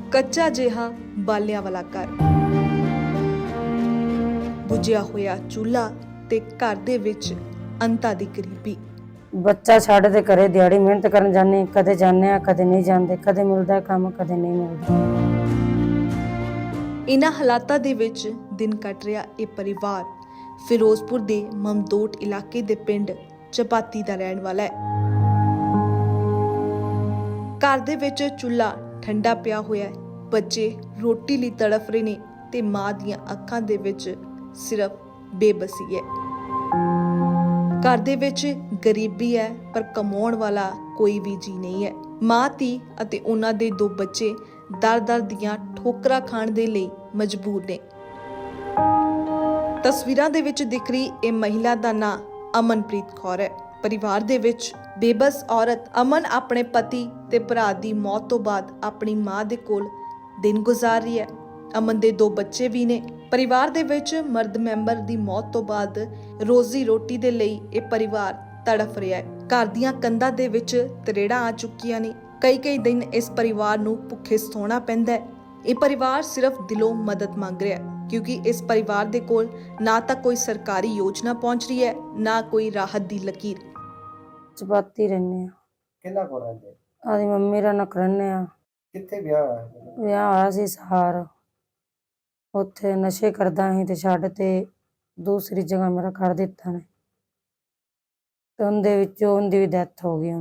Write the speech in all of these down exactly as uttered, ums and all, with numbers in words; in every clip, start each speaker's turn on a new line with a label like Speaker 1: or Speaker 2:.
Speaker 1: ਕੱਚਾ ਜਿਹਾ ਬਾਲਿਆਂ ਵਾਲਾ ਘਰ, ਬੁਝਿਆ ਹੋਇਆ ਚੁੱਲ੍ਹਾ ਤੇ ਘਰ ਦੇ ਵਿੱਚ ਅੰਤਾਂ ਦੀ ਗਰੀਬੀ।
Speaker 2: ਬੱਚਾ ਛੱਡ ਦੇ ਘਰੇ ਦਿਹਾੜੀ ਮਿਹਨਤ ਕਰਨ ਜਾਂਦੇ, ਕਦੇ ਜਾਂਦੇ ਆ ਕਦੇ ਨਹੀਂ ਜਾਂਦੇ, ਕਦੇ ਮਿਲਦਾ ਕੰਮ ਕਦੇ ਨਹੀਂ ਮਿਲਦਾ।
Speaker 1: ਇਨ੍ਹਾਂ ਹਾਲਾਤਾਂ ਦੇ ਵਿੱਚ ਦਿਨ ਕੱਟ ਰਿਹਾ ਇਹ ਪਰਿਵਾਰ ਫਿਰੋਜ਼ਪੁਰ ਦੇ ਮਮਦੋਟ ਇਲਾਕੇ ਦੇ ਪਿੰਡ ਚਪਾਤੀ ਦਾ ਰਹਿਣ ਵਾਲਾ ਹੈ। ਘਰ ਦੇ ਵਿੱਚ ਚੁੱਲ੍ਹਾ ਠੰਡਾ ਪਿਆ ਹੋਇਆ ਹੈ, ਬੱਚੇ ਰੋਟੀ ਲਈ ਤੜਫ ਰਹੇ ਨੇ ਤੇ ਮਾਂ ਦੀਆਂ ਅੱਖਾਂ ਦੇ ਵਿੱਚ ਸਿਰਫ ਬੇਬਸੀ ਹੈ। ਘਰ ਦੇ ਵਿੱਚ ਗਰੀਬੀ ਹੈ ਪਰ ਕਮਾਉਣ ਵਾਲਾ ਕੋਈ ਵੀ ਜੀ ਨਹੀਂ ਹੈ। ਮਾਂ ਧੀ ਅਤੇ ਉਹਨਾਂ ਦੇ ਦੋ ਬੱਚੇ ਦਰ-ਦਰ ਦੀਆਂ ਠੋਕਰਾਂ ਖਾਣ ਦੇ ਲਈ ਮਜਬੂਰ ਨੇ। ਤਸਵੀਰਾਂ ਦੇ ਵਿੱਚ ਦਿਖ ਰਹੀ ਇਹ ਮਹਿਲਾ ਦਾ ਨਾਂ ਅਮਨਪ੍ਰੀਤ ਕੌਰ ਹੈ। ਪਰਿਵਾਰ ਦੇ ਵਿੱਚ ਬੇਬਸ ਔਰਤ ਅਮਨ ਆਪਣੇ ਪਤੀ ਤੇ ਭਰਾ ਦੀ ਮੌਤ ਤੋਂ ਬਾਅਦ ਆਪਣੀ ਮਾਂ ਦੇ ਕੋਲ ਦਿਨ ਗੁਜ਼ਾਰ ਰਹੀ ਹੈ। ਅਮਨ ਦੇ ਦੋ ਬੱਚੇ ਵੀ ਨੇ। ਪਰਿਵਾਰ ਦੇ ਵਿੱਚ ਮਰਦ ਮੈਂਬਰ ਦੀ ਮੌਤ ਤੋਂ ਬਾਅਦ ਰੋਜ਼ੀ ਰੋਟੀ ਦੇ ਲਈ ਇਹ ਪਰਿਵਾਰ ਤੜਫ ਰਿਹਾ ਹੈ। ਘਰ ਦੀਆਂ ਕੰਧਾਂ ਦੇ ਵਿੱਚ ਤਰੇੜਾਂ ਆ ਚੁੱਕੀਆਂ ਨੇ। ਕਈ ਕਈ ਦਿਨ ਇਸ ਪਰਿਵਾਰ ਨੂੰ ਭੁੱਖੇ ਸੌਣਾ ਪੈਂਦਾ ਹੈ। ਇਹ ਪਰਿਵਾਰ ਸਿਰਫ ਦਿਲੋਂ ਮਦਦ ਮੰਗ ਰਿਹਾ ਹੈ ਕਿਉਂਕਿ ਇਸ ਪਰਿਵਾਰ ਦੇ ਕੋਲ ਨਾ ਤਾਂ ਕੋਈ ਸਰਕਾਰੀ ਯੋਜਨਾ ਪਹੁੰਚ ਰਹੀ ਹੈ, ਨਾ ਕੋਈ ਰਾਹਤ ਦੀ ਲਕੀਰ।
Speaker 2: ਚਪਾਤੀ ਰਹਿੰਦੇ ਆ।
Speaker 3: ਕਿੰਨਾ ਕੋ ਰਹਿੰਦੇ?
Speaker 2: ਆਦੀ ਮੰਮੀ ਰਾਂ ਨਾਲ ਰਹਿੰਦੇ ਆ।
Speaker 3: ਕਿੱਥੇ ਵਿਆਹ ਹੋਇਆ?
Speaker 2: ਵਿਆਹ ਹੋਇਆ ਸੀ ਸਹਾਰ, ਉੱਥੇ ਨਸ਼ੇ ਕਰਦਾ ਸੀ ਤੇ ਛੱਡ ਤੇ ਦੂਸਰੀ ਜਗ੍ਹਾ ਮੇਰਾ ਕਰ ਦਿੱਤਾ ਨੇ ਤੇ ਉਹਦੇ ਵਿੱਚੋਂ ਉਹਦੀ ਵੀ ਡੈਥ ਹੋ ਗਈ। ਹੁਣ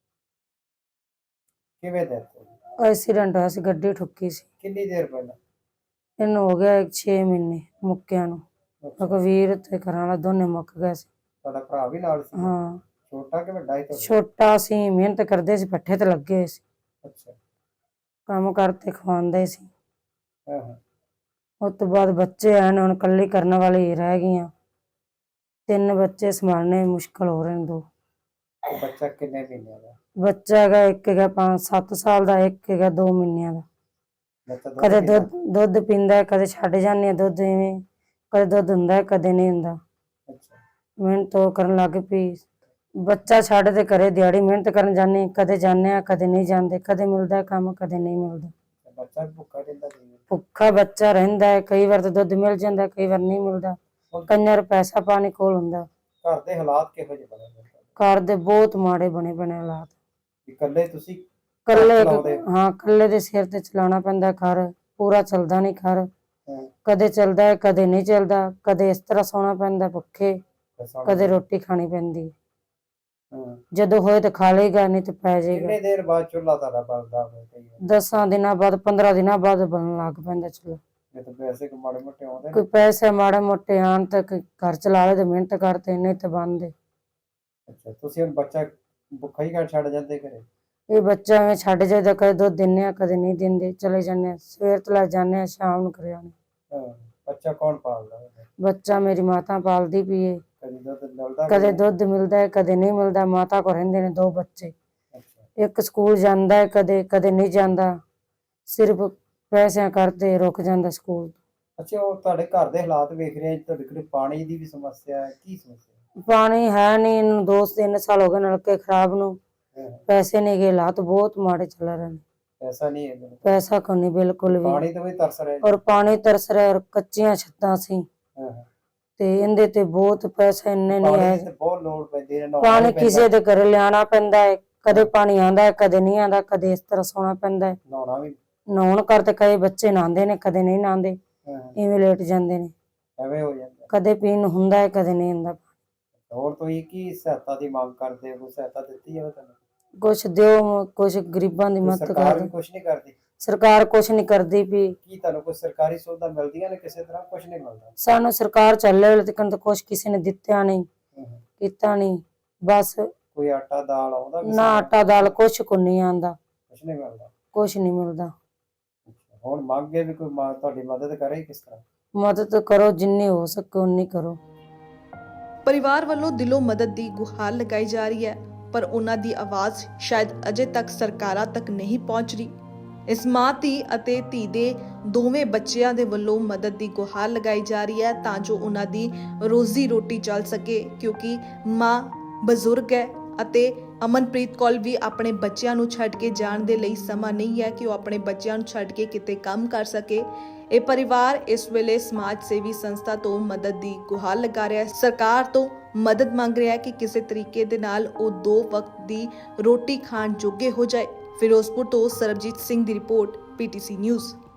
Speaker 3: ਕਿਵੇਂ ਡੈਥ ਹੋ ਗਈ?
Speaker 2: ਐਕਸੀਡੈਂਟ ਹੋਇਆ ਸੀ, ਗੱਡੀ ਠੁੱਕੀ ਸੀ।
Speaker 3: ਕਿੰਨੀ ਦੇਰ ਪਹਿਲਾਂ?
Speaker 2: ਇਹਨੂੰ ਹੋ ਗਿਆ ਛੇ ਮਹੀਨੇ ਮੁੱਕਿਆਂ ਨੂੰ। ਵੀਰ ਤੇ ਘਰਾਂ ਵਾਲਾ ਦੋਨੇ ਮੁੱਕ ਗਏ ਸੀ।
Speaker 3: ਤੁਹਾਡਾ ਭਰਾ ਵੀ ਨਾਲ ਸੀ?
Speaker 2: ਹਾਂ,
Speaker 3: ਛੋਟਾ ਕਿ ਵੱਡਾ ਸੀ?
Speaker 2: ਛੋਟਾ ਸੀ, ਮਿਹਨਤ ਕਰਦੇ ਸੀ, ਪੱਠੇ ਤੇ ਲੱਗੇ ਹੋਏ ਸੀ,
Speaker 3: ਅੱਛਾ,
Speaker 2: ਕੰਮ ਕਰਤੇ ਖਵਾਉਂਦੇ ਸੀ।
Speaker 3: ਹਾਂ ਹਾਂ।
Speaker 2: ਉਸ ਤੋਂ ਬਾਅਦ ਬੱਚੇ ਆਏ ਨੇ, ਹੁਣ ਇਕੱਲੀ ਕਰਨ ਵਾਲੀ ਰਹਿ ਗਈਆਂ। ਤਿੰਨ ਬੱਚੇ ਸੰਭਾਲਣੇ ਮੁਸ਼ਕਲ ਹੋ ਰਹੇ ਨੇ। ਦੋ
Speaker 3: ਉਹ ਬੱਚਾ ਕਿੰਨੇ ਮਹੀਨਿਆਂ ਦਾ?
Speaker 2: ਬੱਚਾ ਹੈਗਾ ਇੱਕ ਹੈਗਾ ਪੰਜ ਸੱਤ ਸਾਲ ਦਾ, ਇੱਕ ਹੈਗਾ ਦੋ ਮਹੀਨਿਆਂ ਦਾ।
Speaker 3: ਬੱਚਾ ਦੁੱਧ
Speaker 2: ਕਦੇ
Speaker 3: ਪੀਂਦਾ?
Speaker 2: ਦੁੱਧ ਦੁੱਧ ਪੀਂਦਾ, ਕਦੇ ਛੱਡ ਜਾਂਦੇ ਆ ਦੁੱਧ। ਇਵੇਂ ਕਦੇ ਦੁੱਧ ਹੁੰਦਾ ਕਦੇ ਨਹੀਂ ਹੁੰਦਾ।
Speaker 3: ਅੱਛਾ,
Speaker 2: ਮਿਹਨਤ ਉਹ ਕਰਨ ਲੱਗ ਪਈ। ਬੱਚਾ ਛੱਡ ਦੇ ਘਰੇ ਦਿਹਾੜੀ ਮਿਹਨਤ ਕਰਨ ਜਾਂਦੇ, ਕਦੇ ਜਾਂਦੇ ਆ ਕਦੇ ਨਹੀਂ ਜਾਂਦੇ, ਕਦੇ ਮਿਲਦਾ ਕੰਮ ਕਦੇ ਨਹੀਂ ਮਿਲਦਾ।
Speaker 3: ਬੱਚਾ ਭੁੱਖਾ ਰਹਿੰਦਾ ਸੀ?
Speaker 2: ਭੁੱਖਾ ਬੱਚਾ ਰਹਿੰਦਾ ਹੈ। ਕਈ ਵਾਰ ਤਾਂ ਦੁੱਧ ਮਿਲ ਜਾਂਦਾ, ਕਈ ਵਾਰ ਨਹੀਂ ਮਿਲਦਾ। ਕਈਆਂ ਵਾਰ ਪੈਸਾ ਪਾਣੀ ਕੋਲ ਹੁੰਦਾ।
Speaker 3: ਘਰ ਦੇ ਹਾਲਾਤ ਕਿਹੋ ਜਿਹੇ ਬਣੇ ਨੇ?
Speaker 2: ਘਰ ਦੇ ਬਹੁਤ ਮਾੜੇ ਬਣੇ ਬਣੇ ਹਾਲਾਤ।
Speaker 3: ਇਕੱਲੇ ਤੁਸੀਂ
Speaker 2: ਕੱਲੇ
Speaker 3: ਚਲਾਉਂਦੇ?
Speaker 2: ਹਾਂ, ਕੱਲੇ ਦੇ ਸਿਰ ਤੇ ਚਲਾਉਣਾ ਪੈਂਦਾ ਘਰ। ਪੂਰਾ ਚੱਲਦਾ ਨਹੀਂ ਘਰ।
Speaker 3: ਹਾਂ,
Speaker 2: ਕਦੇ ਚੱਲਦਾ ਹੈ ਕਦੇ ਨਹੀਂ ਚੱਲਦਾ। ਕਦੇ ਇਸ ਤਰ੍ਹਾਂ ਸੌਣਾ ਪੈਂਦਾ ਭੁੱਖੇ,
Speaker 3: ਦੱਸੋ।
Speaker 2: ਕਦੇ ਰੋਟੀ ਖਾਣੀ ਪੈਂਦੀ।
Speaker 3: ਹਾਂ,
Speaker 2: ਜਦੋਂ ਹੋਏ ਤਾਂ ਖਾ ਲਏਗਾ, ਨਹੀਂ ਤਾਂ ਪੈ ਜਾਏਗਾ।
Speaker 3: ਕਿੰਨੇ ਦੇਰ ਬਾਅਦ ਚੁੱਲ੍ਹਾ ਤੁਹਾਡਾ ਬਲਦਾ ਹੋਵੇ? ਕਈ ਵਾਰ
Speaker 2: ਦਸਾਂ ਦਿਨਾਂ ਬਾਅਦ ਪੰਦਰਾਂ ਦਿਨਾਂ ਬਾਅਦ ਬਣਨ ਲੱਗ ਪੈਂਦਾ ਚੁੱਲ੍ਹਾ।
Speaker 3: ਜੇ ਤਾਂ ਪੈਸੇ ਕੋ ਮਾੜੇ ਮੋਟੇ ਆਉਂਦੇ ਨੇ?
Speaker 2: ਕੋਈ ਪੈਸੇ ਮਾੜੇ ਮੋਟੇ ਆਉਣ ਤੱਕ ਘਰ ਚਲਾ ਲੈ ਤੇ ਮਿਹਨਤ ਕਰਤੇ, ਨਹੀਂ ਤਾਂ ਬੰਦ।
Speaker 3: ਅੱਛਾ, ਤੁਸੀਂ ਹੁਣ ਬੱਚਾ ਭੁੱਖਾ ਹੀ ਘਰ ਛੱਡ ਜਾਂਦੇ ਘਰੇ?
Speaker 2: ਇਹ ਬੱਚਾ ਐਵੇਂ ਛੱਡ ਜਾਈਦਾ, ਕਦੇ ਦੁੱਧ ਦਿੰਦੇ ਆ ਕਦੇ ਨਹੀਂ ਦਿੰਦੇ, ਚਲੇ ਜਾਂਦੇ ਆ। ਸਵੇਰ ਤੋਂ ਲੈ ਜਾਂਦੇ ਆ, ਸ਼ਾਮ ਨੂੰ ਘਰੇ ਆਉਂਦੇ।
Speaker 3: ਹਾਂ, ਬੱਚਾ ਕੌਣ ਪਾਲਦਾ?
Speaker 2: ਬੱਚਾ ਮੇਰੀ ਮਾਤਾ ਪਾਲਦੀ ਪਈ ਏ।
Speaker 3: ਕਦੀ ਦੁੱਧ ਮਿਲਦਾ?
Speaker 2: ਕਦੇ ਦੁੱਧ ਮਿਲਦਾ ਹੈ ਕਦੇ ਨਹੀਂ ਮਿਲਦਾ। ਮਾਤਾ ਕੋਲ ਰਹਿੰਦੇ ਨੇ ਦੋ ਬੱਚੇ।
Speaker 3: ਅੱਛਾ,
Speaker 2: ਇੱਕ ਸਕੂਲ ਜਾਂਦਾ ਹੈ, ਕਦੇ ਕਦੇ ਨਹੀਂ ਜਾਂਦਾ। ਸਿਰਫ ਪੈਸਿਆਂ ਕਰਦੇ ਰੁਕ ਜਾਂਦਾ ਸਕੂਲ।
Speaker 3: ਅੱਛਾ, ਉਹ ਤੁਹਾਡੇ ਘਰ ਦੇ ਹਾਲਾਤ ਵੇਖ ਰਹੇ ਆ, ਤੁਹਾਡੇ ਕੋਲ ਪਾਣੀ ਦੀ ਵੀ ਸਮੱਸਿਆ ਹੈ, ਕੀ ਸਮੱਸਿਆ?
Speaker 2: ਪਾਣੀ ਹੈ ਨਹੀਂ। ਇਹਨੂੰ ਦੋ ਤਿੰਨ ਸਾਲ ਹੋ ਗਏ ਨਲਕੇ ਖਰਾਬ ਨੂੰ।
Speaker 3: ਹਾਂ,
Speaker 2: ਪੈਸੇ ਨਹੀਂ ਗਏ, ਹਾਲਾਤ ਬਹੁਤ ਮਾੜੇ ਚੱਲ ਰਹੇ ਨੇ।
Speaker 3: ਪੈਸਾ ਨਹੀਂ ਹੈ ਮੇਰੇ ਕੋਲ।
Speaker 2: ਪੈਸਾ ਕੋਈ ਨਹੀਂ ਬਿਲਕੁਲ ਵੀ।
Speaker 3: ਪਾਣੀ ਤੋਂ ਵੀ ਤਰਸ ਰਹੇ?
Speaker 2: ਔਰ ਪਾਣੀ ਤਰਸ ਰਿਹਾ, ਔਰ ਕੱਚੀਆਂ ਛੱਤਾਂ ਸੀ
Speaker 3: ਹਾਂ ਹਾਂ।
Speaker 2: ਤੇ ਇਹਦੇ ਤੇ ਬਹੁਤ ਪੈਸਾ ਇੰਨੇ ਨਹੀਂ
Speaker 3: ਪਾਣੀ
Speaker 2: ਹੈ।
Speaker 3: ਦੀ ਤੇ ਬਹੁਤ ਲੋੜ ਪੈਂਦੀ ਹੈ, ਨਹਾਉਣਾ
Speaker 2: ਪਾਣੀ
Speaker 3: ਵੀ ਪੈਂਦਾ।
Speaker 2: ਕਿਸੇ ਦੇ ਘਰੇ ਲਿਆਉਣਾ ਪੈਂਦਾ ਹੈ। ਕਦੇ ਪਾਣੀ ਆਉਂਦਾ ਹੈ ਕਦੇ ਨਹੀਂ ਆਉਂਦਾ, ਕਦੇ ਇਸ ਤਰ੍ਹਾਂ ਸੌਣਾ ਪੈਂਦਾ ਹੈ।
Speaker 3: ਨਹਾਉਣਾ ਵੀ?
Speaker 2: ਨਹਾਉਣ ਕਰਦੇ ਕਈ ਬੱਚੇ ਨਹਾਉਂਦੇ ਨੇ, ਕਦੇ ਨਹੀਂ ਨਹਾਉਂਦੇ,
Speaker 3: ਹਾਂ,
Speaker 2: ਇਵੇਂ ਲੇਟ ਜਾਂਦੇ ਨੇ।
Speaker 3: ਐਵੇਂ ਹੋ ਜਾਂਦਾ।
Speaker 2: ਕਦੇ ਪੀਣ ਨੂੰ ਹੁੰਦਾ ਹੈ ਕਦੇ ਨਹੀਂ ਹੁੰਦਾ।
Speaker 3: ਹੋਰ ਤੁਸੀਂ ਕੀ ਸਹਾਇਤਾ ਦੀ ਮੰਗ ਕਰਦੇ ਹੋ? ਕੋਈ ਸਹਾਇਤਾ ਦਿੱਤੀ ਜਾਵੇ ਤੁਹਾਨੂੰ?
Speaker 2: ਕੁਛ ਦਿਓ, ਕੁਛ ਗਰੀਬਾਂ ਦੀ
Speaker 3: ਕੋਈ
Speaker 2: ਮਦਦ
Speaker 3: ਸਰਕਾਰ
Speaker 2: ਕਰ।
Speaker 3: ਵੀ ਕੁਛ ਨਹੀਂ ਕਰਦੀ?
Speaker 2: ਸਰਕਾਰ ਕੁਛ ਨਹੀਂ ਕਰਦੀ ਪਈ।
Speaker 3: ਕੀ ਤੁਹਾਨੂੰ ਕੋਈ ਸਰਕਾਰੀ ਸੁਵਿਧਾ ਮਿਲਦੀਆਂ ਨੇ? ਕਿਸੇ ਤਰ੍ਹਾਂ ਕੁਛ ਨਹੀਂ ਮਿਲਦਾ?
Speaker 2: ਸਾਨੂੰ ਸਰਕਾਰ ਚੱਲੇ ਵੇਲੇ ਤੱਕ ਤਾਂ ਕੁਛ ਕਿਸੇ ਨੇ ਦਿੱਤਾ ਨਹੀਂ,
Speaker 3: ਹਾਂ ਹਾਂ।
Speaker 2: ਕੀਤਾ ਨਹੀਂ। ਬਸ
Speaker 3: ਕੋਈ ਆਟਾ ਦਾਲ ਆਉਂਦਾ? ਕਿਸੇ
Speaker 2: ਨਾ
Speaker 3: ਤਰ੍ਹਾਂ?
Speaker 2: ਆਟਾ ਦਾਲ ਕੁਛ ਕੋ ਨਹੀਂ ਆਉਂਦਾ,
Speaker 3: ਕੁਛ ਨਹੀਂ ਮਿਲਦਾ?
Speaker 2: ਕੁਛ ਨਹੀਂ ਮਿਲਦਾ।
Speaker 3: ਅੱਛਾ, ਹੁਣ ਮੰਗ ਹੈ ਵੀ ਕੋਈ ਮਾ- ਤੁਹਾਡੀ ਮਦਦ ਕਰੇ ਕਿਸ ਤਰ੍ਹਾਂ?
Speaker 2: ਮਦਦ ਕਰੋ, ਜਿੰਨੀ ਹੋ ਸਕੇ ਉਨੀ ਕਰੋ।
Speaker 1: ਪਰਿਵਾਰ ਵੱਲੋਂ ਦਿਲੋਂ ਮਦਦ ਦੀ ਗੁਹਾਰ ਲਗਾਈ ਜਾ ਰਹੀ ਹੈ ਪਰ ਉਹਨਾਂ ਦੀ ਆਵਾਜ਼ ਸ਼ਾਇਦ ਅਜੇ ਤੱਕ ਸਰਕਾਰਾਂ ਤੱਕ ਨਹੀਂ ਪਹੁੰਚ ਰਹੀ। ਇਸ ਮਾਂ ਧੀ ਅਤੇ ਧੀ ਦੇ ਦੋਵੇਂ ਬੱਚਿਆਂ ਦੇ ਵੱਲੋਂ ਮਦਦ ਦੀ ਗੁਹਾਰ ਲਗਾਈ ਜਾ ਰਹੀ ਹੈ ਤਾਂ ਜੋ ਉਹਨਾਂ ਦੀ ਰੋਜ਼ੀ ਰੋਟੀ ਚੱਲ ਸਕੇ ਕਿਉਂਕਿ ਮਾਂ ਬਜ਼ੁਰਗ ਹੈ ਅਤੇ ਅਮਨਪ੍ਰੀਤ ਕੋਲ ਵੀ ਆਪਣੇ ਬੱਚਿਆਂ ਨੂੰ ਛੱਡ ਕੇ ਜਾਣ ਦੇ ਲਈ ਸਮਾਂ ਨਹੀਂ ਹੈ ਕਿ ਉਹ ਆਪਣੇ ਬੱਚਿਆਂ ਨੂੰ ਛੱਡ ਕੇ ਕਿਤੇ ਕੰਮ ਕਰ ਸਕੇ। ਇਹ ਪਰਿਵਾਰ ਇਸ ਵੇਲੇ ਸਮਾਜ ਸੇਵੀ ਸੰਸਥਾ ਤੋਂ ਮਦਦ ਦੀ ਗੁਹਾਰ ਲਗਾ ਰਿਹਾ ਹੈ। ਸਰਕਾਰ ਤੋਂ ਮਦਦ ਮੰਗ ਰਿਹਾ ਹੈ ਕਿ ਕਿਸੇ ਤਰੀਕੇ ਦੇ ਨਾਲ ਉਹ ਦੋ ਵਕਤ ਦੀ ਰੋਟੀ ਖਾਣ ਜੋਗੇ ਹੋ ਜਾਏ। ਫਿਰੋਜ਼ਪੁਰ ਤੋਂ ਸਰਬਜੀਤ ਸਿੰਘ ਦੀ ਰਿਪੋਰਟ, ਪੀਟੀਸੀ ਨਿਊਜ਼।